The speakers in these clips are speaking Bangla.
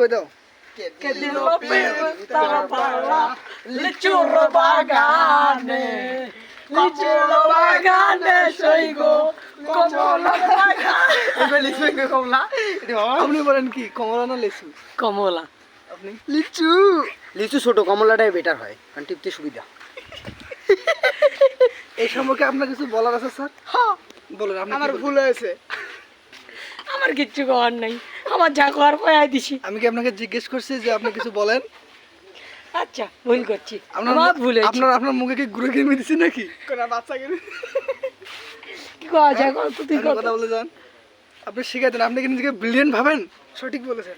কই দাও। Que digo estaba para lichurro bagane, lichurro bagane soy go como la bagane. এবার লিচু কে কমলা? আপনি বলেন কি কমলা না লিচু? কমলা। আপনি লিচু লিচু ছোট, কমলাটাই বেটার হয় কারণ টিপতে সুবিধা। এই সম্পর্কে আপনার কিছু বলার আছে স্যার? হ্যাঁ, বলেন। আপনি আমার কি বলবেন? ভুল হয়েছে। আমার কিচ্ছু করার নাই, আমার যা করার কয়াই দিছি। আমি কি আপনাকে জিজ্ঞেস করছি যে আপনি কিছু বলেন? আচ্ছা, ভুল করছি, আপনার আমার ভুল হয়েছে। আপনার মুখে কি গুঁড়ো কিনে দিছি নাকি? কোন বাচ্চা কিনে কি করা যায় কত তুই আপনি কথা বলে যান। আপনি শিখাই দেন। আপনি কি নিজেকে ব্রিলিয়েন্ট ভাবেন? সঠিক বলেছেন।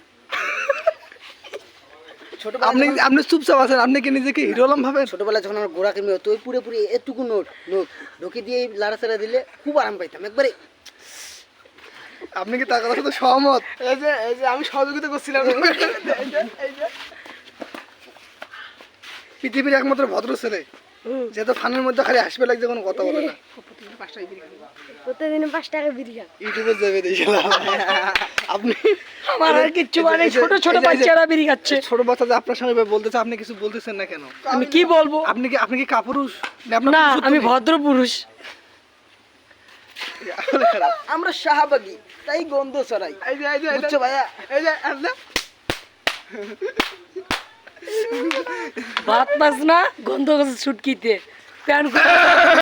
আপনি চুপচাপ আছেন। আপনি কি নিজেকে হিরো আলম ভাবেন? ছোটবেলায় যখন আমার গোড়া কিনবে তো পুরোপুরি এটুকু নোট ঢুকে দিয়ে লাড়াচাড়া দিলে খুব আরাম পাইতাম একবারে। আপনি কি তার কথার সাথে সহমত? এই যে আমি সহযোগিতা করছিলাম। পৃথিবীর একমাত্র ভদ্র ছেলে যেহেতু ফানের মধ্যে খালি হাসবে লাগছে, কোনো কথা বলে না। প্রতিদিন 5 টাকা বিড়ি খান। ইউটিউবে যাবে দেখলাম। আপনি আমার আর কিচ্ছু মানে, এই যে- ছোট ছোট এই যে- বাচ্চারা বিড়ি খাচ্ছে। ছোট বাচ্চা যে আপনার সঙ্গে বলতেছে, আপনি কিছু বলতেছেন না কেন? আমি কি বলবো? আপনি কি কাপুরুষ? আপনার না, পুরুষত্ব আমি নেই? ভদ্র পুরুষ। আসলে খারাপ। আমরা শাহবাগী, তাই গন্ধ ছড়াই। এই যে বুঝছো ভাইয়া? এই যে আল্লাহ। ভাত মাছ না গন্ধ গেছে ছুটকিতে প্যান